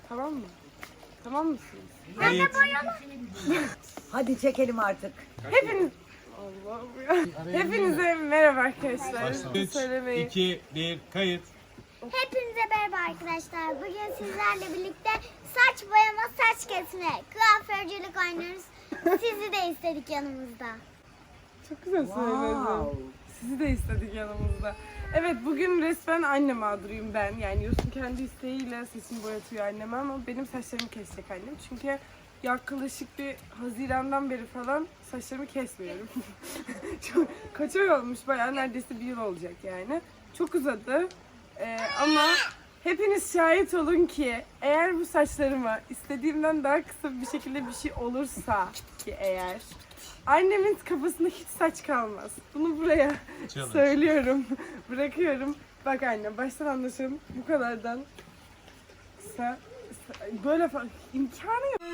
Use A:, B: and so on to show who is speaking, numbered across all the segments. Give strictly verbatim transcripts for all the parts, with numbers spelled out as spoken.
A: Tamam mı? Tamam mısınız?
B: Evet.
C: Hadi çekelim artık.
A: Hepiniz... Allah'ım ya. Hepinize merhaba arkadaşlar.
B: üç,
A: Söylemeyi.
B: iki, bir, kayıt.
D: Hepinize merhaba arkadaşlar. Bugün sizlerle birlikte saç boyama, saç kesme, kuaförcülük oynuyoruz. Sizi de istedik yanımızda.
A: Çok güzel söyledin.
C: Wow.
A: Sizi de istedik yanımızda. Evet, bugün resmen anne mağduruyum ben. Yani Yusuf kendi isteğiyle saçını boyatıyor anneme ama benim saçlarımı kesecek annem. Çünkü yaklaşık bir Haziran'dan beri falan saçlarımı kesmiyorum. Çok, kaç ay olmuş, bayağı neredeyse bir yıl olacak yani. Çok uzadı. Ee, ama hepiniz şahit olun ki eğer bu saçlarıma istediğimden daha kısa bir şekilde bir şey olursa ki eğer annemin kafasında hiç saç kalmaz. Bunu buraya
B: Challenge.
A: söylüyorum. Bırakıyorum. Bak anne, baştan anlaşalım. Bu kadardan kısa, böyle falan imkanı yok.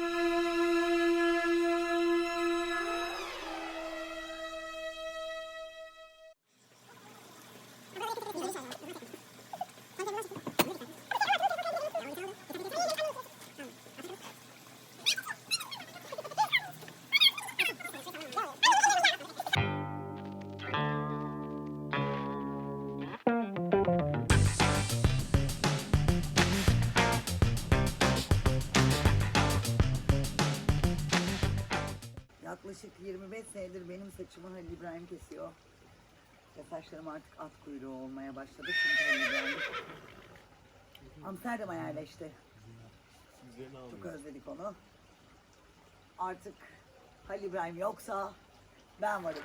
C: Yaklaşık yirmi beş senedir benim saçımı Halil İbrahim kesiyor. Ve saçlarım artık at kuyruğu olmaya başladı. Çünkü Halil İbrahim Amsterdam'a yerleşti. Çok özledik onu. Artık Halil İbrahim yoksa ben varım.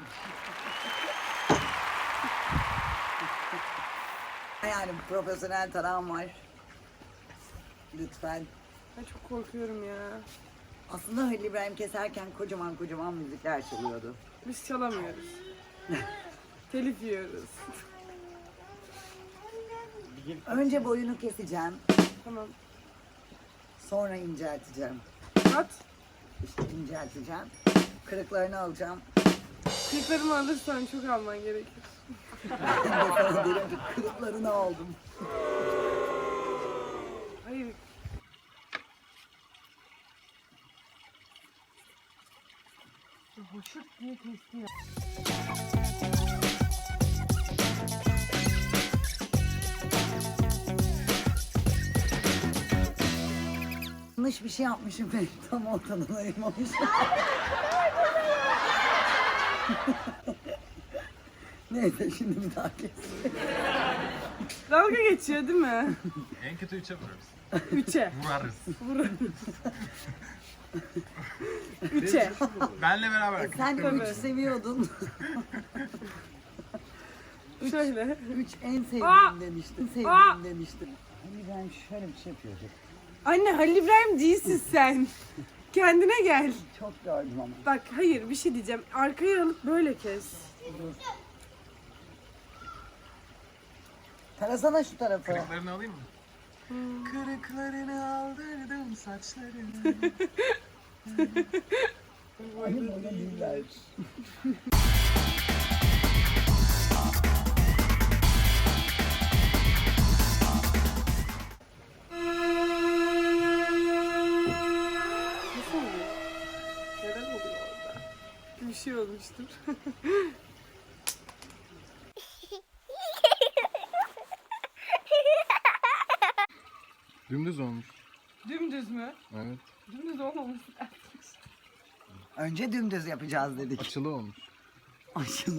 C: Yani profesyonel tarağım var. Lütfen.
A: Ben çok korkuyorum ya.
C: Aslında Halil İbrahim keserken kocaman kocaman müzikler çalıyordu.
A: Biz çalamıyoruz. Telif yiyoruz.
C: Önce boyunu keseceğim,
A: Tamam.
C: sonra incelteceğim.
A: At.
C: İşte incelteceğim, kırıklarını alacağım.
A: Kırıklarımı alırsan çok alman gerekir.
C: Ben de sana derim ki kırıklarını aldım.
A: Hayır. Hoşut diye kesti ya.
C: Yanlış bir şey yapmışım ben, tam ortadan ayırmamışım. Neyse şimdi bir daha kes.
A: Dalga geçiyor değil mi?
B: En kötü üçe vururuz.
A: Üçe.
B: Vurarız.
A: Üçe.
B: Benle beraber.
C: E sen
A: Tabii.
C: üç seviyordun.
A: Şöyle.
C: Üç en
A: Aa!
C: sevdiğim demiştin, sevdiğim
A: Aa!
C: demiştin. Hani ben şöyle bir şey yapıyordum.
A: Anne, Halil İbrahim değilsin sen. Kendine gel.
C: Çok gördüm ama.
A: Bak hayır, bir şey diyeceğim. Arkaya alıp böyle kes.
C: Dur. Tarasana şu tarafı.
B: Kırıklarını alayım mı?
A: Hmm.
B: Kırıklarını aldırdım saçlarını.
C: Aynı böyle değiller.
A: Nasıl oluyor? Neden oluyor orada? Bir şey olmuştur.
B: Dümdüz olmuş.
A: Dümdüz mü?
B: Evet.
A: Dümdüz olmamış.
C: Önce dümdüz yapacağız dedik.
B: Açılı olmuş.
C: Açılı.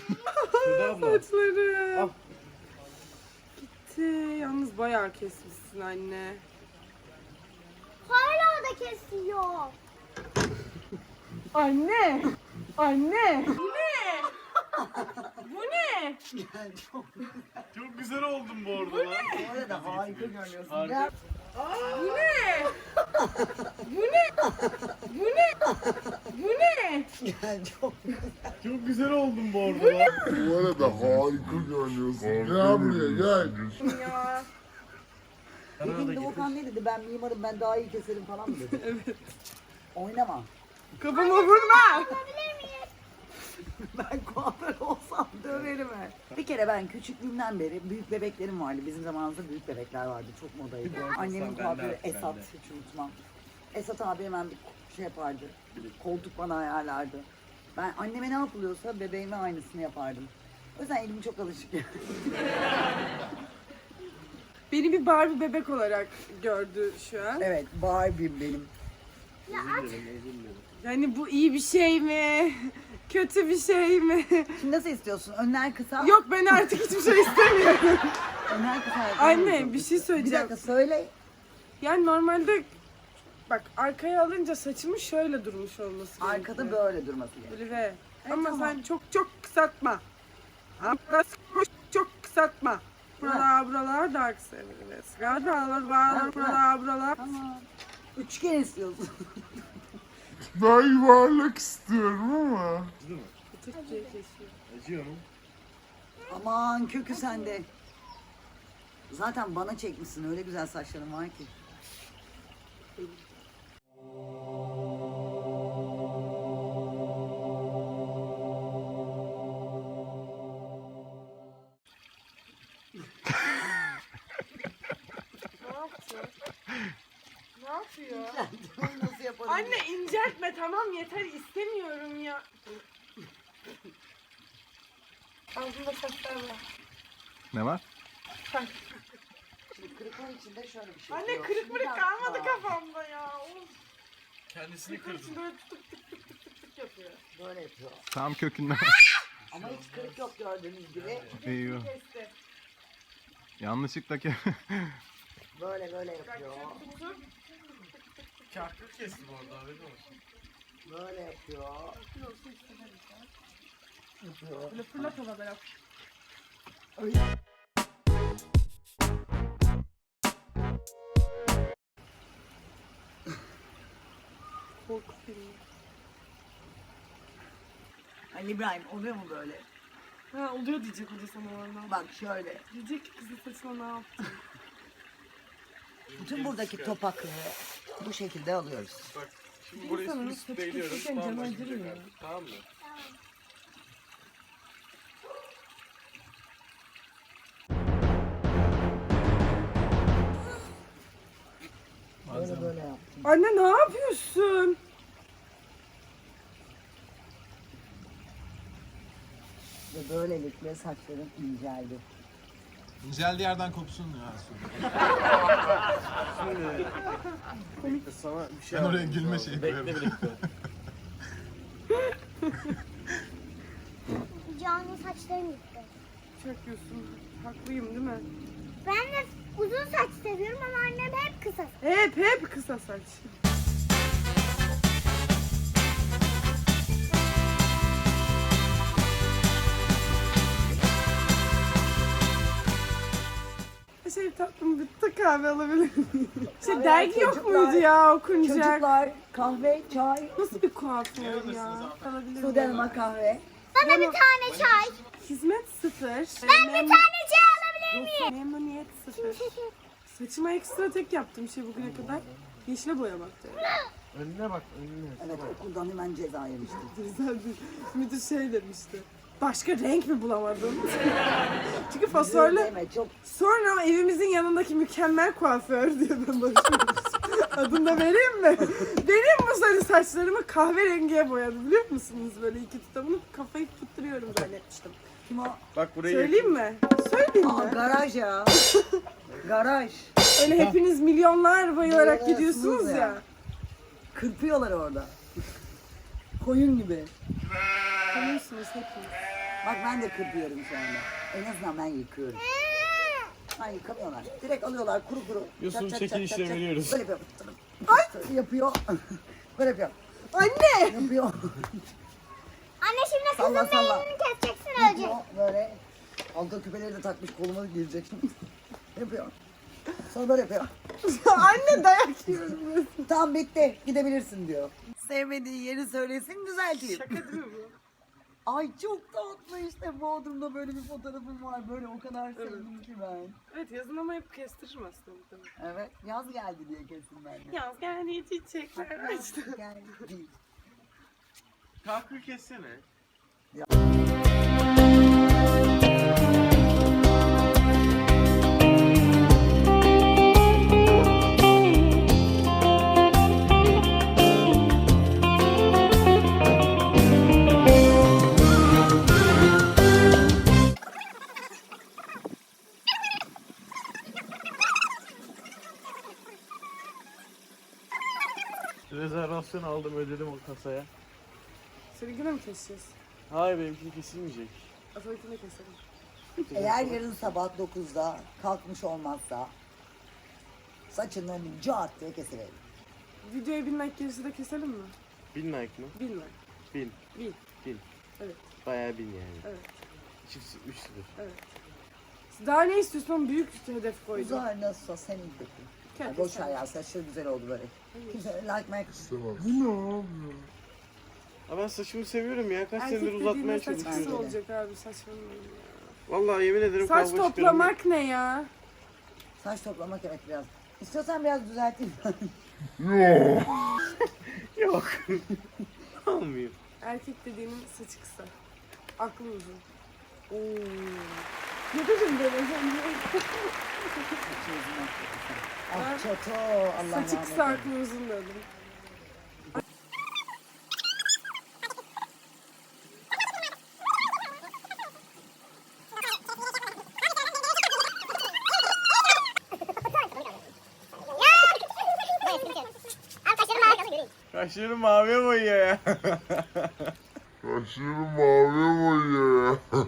A: Saçları. Gitti. Yalnız bayağı kesmişsin anne.
D: Hala da kesiyor.
A: Anne! Anne! Bu ne? Bu ne?
B: Çok güzel oldum bu arada lan.
C: Bu arada harika görünüyorsun.
B: Harika.
C: Gel.
A: Bu ne? Bu ne? Bu ne? Bu ne?
C: Gel çok
B: Çok güzel oldum bu arada lan.
E: Bu arada harika görünüyorsun. Gel buraya gel.
A: Ya.
C: Dedim Doğukan ne dedi? Ben mimarım, ben daha iyi keserim falan mı dedi?
A: Evet.
C: Oynama.
A: Kafama vurma.
C: Ben kuaför olsam döverim he. Bir kere ben küçüklüğümden beri büyük bebeklerim vardı. Bizim zamanımızda büyük bebekler vardı. Çok modaydı. Annemin kuaförü Esat, hiç unutmam. Esat abi hemen bir şey yapardı. Koltuk bana ayarlardı. Ben anneme ne yapılıyorsa bebeğime aynısını yapardım. O yüzden elim çok alışık.
A: Beni bir Barbie bebek olarak gördü şu an.
C: Evet, Barbie'm benim.
A: Yani bu iyi bir şey mi? Kötü bir şey mi?
C: Şimdi nasıl istiyorsun? Önler kısa.
A: Yok, ben artık hiçbir şey istemiyorum.
C: Önler kısa.
A: Anne, bir şey
C: Bir
A: söyleyeceğim.
C: dakika söyle.
A: Yani normalde bak arkaya alınca saçımın şöyle durmuş olması gerekiyor.
C: Arkada böyle durması gerekiyor.
A: Böyle ve. Ama
C: tamam.
A: sen çok çok kısaltma. Ama çok kısaltma. Buralar buralar daha kısa. Evet. Buralar buralar buralar buralar.
C: Tamam. Üçgen istiyorsun.
E: Ben yuvarlak istiyorum ama.
A: Türkçe'yi kesiyor.
B: Acıyor mu?
C: Aman kökü sende. Zaten bana çekmişsin, öyle güzel saçların var ki.
A: Ne yapıyor? Ne yapıyor?
C: Nasıl yaparım?
A: Anne inceltme, tamam yeter, istemiyorum ya. Ağzında saçlar var.
F: Ne var?
C: Şimdi kırıklar içinde şöyle bir şey
A: Anne
C: yok.
A: kırık
C: Bir
A: mırık
C: dakika.
A: kalmadı kafamda ya. Of.
B: Kendisini
A: Kırık
B: kırdı.
A: için böyle tık tık tık tık tık tık yapıyor.
C: Böyle yapıyor.
F: Tam kökünden.
C: Ama hiç kırık yok gördüğünüz gibi.
F: Eyvah.
A: Kesti.
F: Yanlışlıkla ke-
C: Böyle böyle
A: Bak
C: yapıyor.
A: çok tutup
B: Kahkır kesti bu arada, haberin olsun.
C: Böyle yapıyor.
A: yapıyorsun istedim.
C: Yapıyor.
A: Böyle fırlat havada yap.
C: Öyle.
A: Korku filmi.
C: Ali İbrahim oluyor mu böyle?
A: Ha oluyor diyecek o da sana oradan.
C: Bak şöyle.
A: Diyecek ki kızın saçına ne yaptın?
C: Bütün buradaki topakları bu şekilde alıyoruz.
B: Bak, şimdi burayı
A: İnsanın
B: üst
A: saçı
B: değiliyoruz.
A: kesilirken
B: Tamam
A: canı
B: başlayacak
A: acır ya.
B: artık. Tamam mı?
C: Böyle böyle yaptım.
A: Anne ne yapıyorsun?
C: Ve böylelikle saçlarım inceldi.
F: İnceldiği yerden koksun ya.
B: Bekle, sana bir şey
F: Ben oraya
B: yapmamız
F: gülme
B: lazım.
F: şeyi
B: Bekle
F: koyarım.
B: bir dakika.
D: Can'ın saçlarım gitti.
A: Çakıyorsun. Haklıyım değil mi?
D: Ben de uzun saç seviyorum ama annem hep kısa.
A: Hep hep kısa saç. Şey tatlım bitti, kahve alabilir miyim? Şey
C: Kahve,
A: dergi yok
C: çocuklar,
A: muydu ya okunacak?
C: Çocuklar kahve, çay,
A: Nasıl bir kuaför ya? Alabilir
C: Sude
A: miyim?
C: Hanım'a kahve.
D: Bana bir tane çay.
A: Hizmet sıfır.
D: Ben bir tane çay alabilir miyim?
A: Memnuniyet sıfır. Saçıma ekstra tek yaptığım şey bugüne kadar yeşile boyamaktı.
B: Önüne bak, önüne.
C: Evet, okuldan hemen ceza yemiştim.
A: Güzel bir müdür şey demişti. Başka renk mi bulamadın? Çünkü fosforlu.
C: Deme, çok
A: Sonra evimizin yanındaki mükemmel kuaför diye ben başlamıştım. Adını da vereyim mi? Benim bu sarı saçlarımı kahverengiye boyadı, biliyor musunuz? Böyle iki tutamını kafayı tutturuyorum zannetmiştim.
C: kim o?
B: Bak burayı
A: Söyleyeyim mi? Söyleyeyim
C: Aa,
A: mi?
C: garaj ya. Garaj.
A: Öyle hepiniz milyonlar bayılarak
C: Bayılırsınız
A: gidiyorsunuz
C: ya.
A: ya.
C: Kırpıyorlar orada. Koyun gibi.
A: Tanıyorsunuz hepiniz.
C: Bak ben de kırpıyorum şu anda. En azından ben yıkıyorum. Ay yıkamıyorlar. Direkt alıyorlar kuru kuru.
B: Yosun,
C: Çat çat
B: çekil
C: çat
B: işle
C: çat çat.
B: veriyoruz.
C: Böyle yapıyor. Ay! Yapıyor. Böyle yapıyor.
A: Anne!
C: Yapıyor.
D: Anne şimdi
C: Salla,
D: kızın
C: salla.
D: beynini keseceksin ölecek.
C: Yapıyor. Böyle. Altta küpeleri de takmış, koluma girecek şimdi. Yapıyor. Sonra böyle yapıyor.
A: Anne dayak yiyorum.
C: Tamam bitti. Gidebilirsin diyor. Sevmediği yeri söylesin düzelteyim.
A: Şaka değil mi bu?
C: Ay çok tatlı işte Bodrum'da böyle bir fotoğrafım var. Böyle o kadar sevdim ki ben.
A: Evet, yazın ama hep kestiririm aslında. muhtemelen.
C: Evet yaz geldi diye kesin ben de.
A: Yaz geldi, çiçekler açtı.
C: Geldi.
B: Kahkır kessene. Rezervasyon aldım, ödedim o kasaya.
A: Seninkine mi keseceğiz?
B: Hayır, benimki kesilmeyecek.
A: Asankine keselim.
C: Eğer yarın sabah dokuzda kalkmış olmazsa saçını cart diye keselim.
A: Videoya bin like gerisi de keselim mi?
B: Bin like mı?
A: Bin like.
B: Bin.
A: Bin.
B: Bin.
A: Evet.
B: Bayağı bin yani.
A: Evet.
B: Çift üç sıfır.
A: Evet. Daha ne istiyorsan büyük hedef koydum.
C: Uzar nasılsa senin peki.
A: Kendi
C: Boş
A: sen.
C: ver ya, saçları güzel oldu böyle. Kimse like make
E: İstemez.
B: Ama ben saçımı seviyorum ya. Kaç
A: Erkek
B: senedir uzatmaya
A: dediğinde saç kısa
B: çalışıyorum.
A: olacak abi, saçmalamayın ya.
B: Vallahi yemin ederim
A: Saç
B: kavga çıkarım.
A: toplamak ne ya?
C: Saç toplamak evet biraz. İstiyorsan biraz düzelteyim.
B: Yok. Olmuyor.
A: Erkek dediğinin saçı kısa. Aklı uzun. Oo. Ne dedim ben az önce?
C: Ah çato, Allah
A: Saçı
C: rahmet
A: kısa,
C: eylesin.
A: aklı uzun dedim.
B: Kaşlarım maviye boyuyor ya.
E: Kaşları mavi boyuyor ya.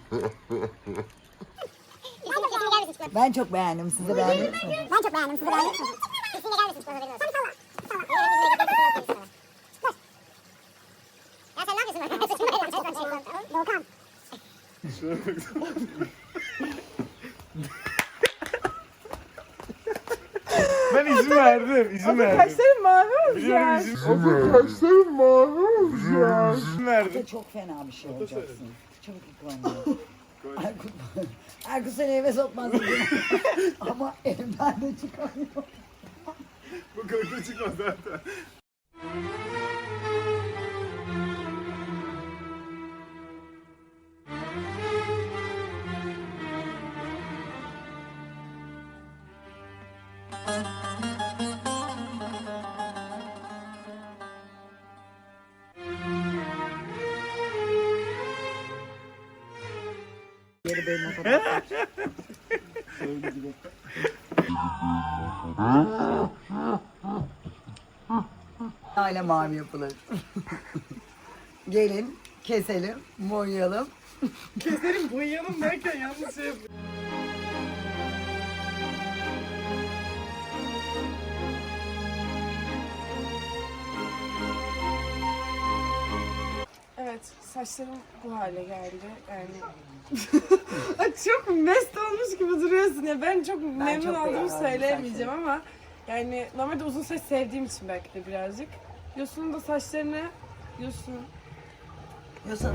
C: Ben çok beğendim. Siz de beğendiniz mi?
D: Ben çok beğendim. Siz de beğendiniz mi? Kesinlikle gelmesin. Bana verin. Salla. Salla. Ya sen ne yapıyorsun? Volkan.
B: Ben izin verdim. izin
A: Ama
B: verdim.
A: kaşların mavi
B: Biliyorum
A: olacak.
B: izin,
E: Kaşları mavi olacak.
B: izin verdim.
C: Çok fena bir şey olacaksın. Çabuk yıkılamıyor. Erkut, Erkut seni eve sokmaz dedim. Ama evden de çıkamıyor.
B: Bu kırıklı çıkmaz zaten.
C: Geri benim o kadar. Öyle gibi. Hala mavi yapılır. Gelin, keselim, boyayalım.
A: Keselim, boyayalım derken yanlış şey yapıyorum. Evet, saçlarım bu hale geldi. Yani Ay, çok mest olmuş gibi duruyorsun ya. Ben çok memnun
C: çok
A: olduğumu
C: beğendim
A: söyleyemeyeceğim ama yani normalde uzun saç sevdiğim için belki de birazcık. Yosun'un da saçlarını Yosun
C: Yosun.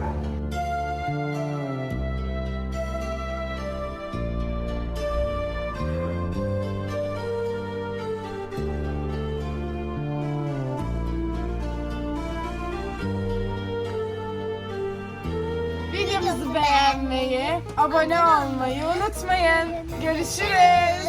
A: videomuzu beğenmeyi, abone olmayı unutmayın. Görüşürüz.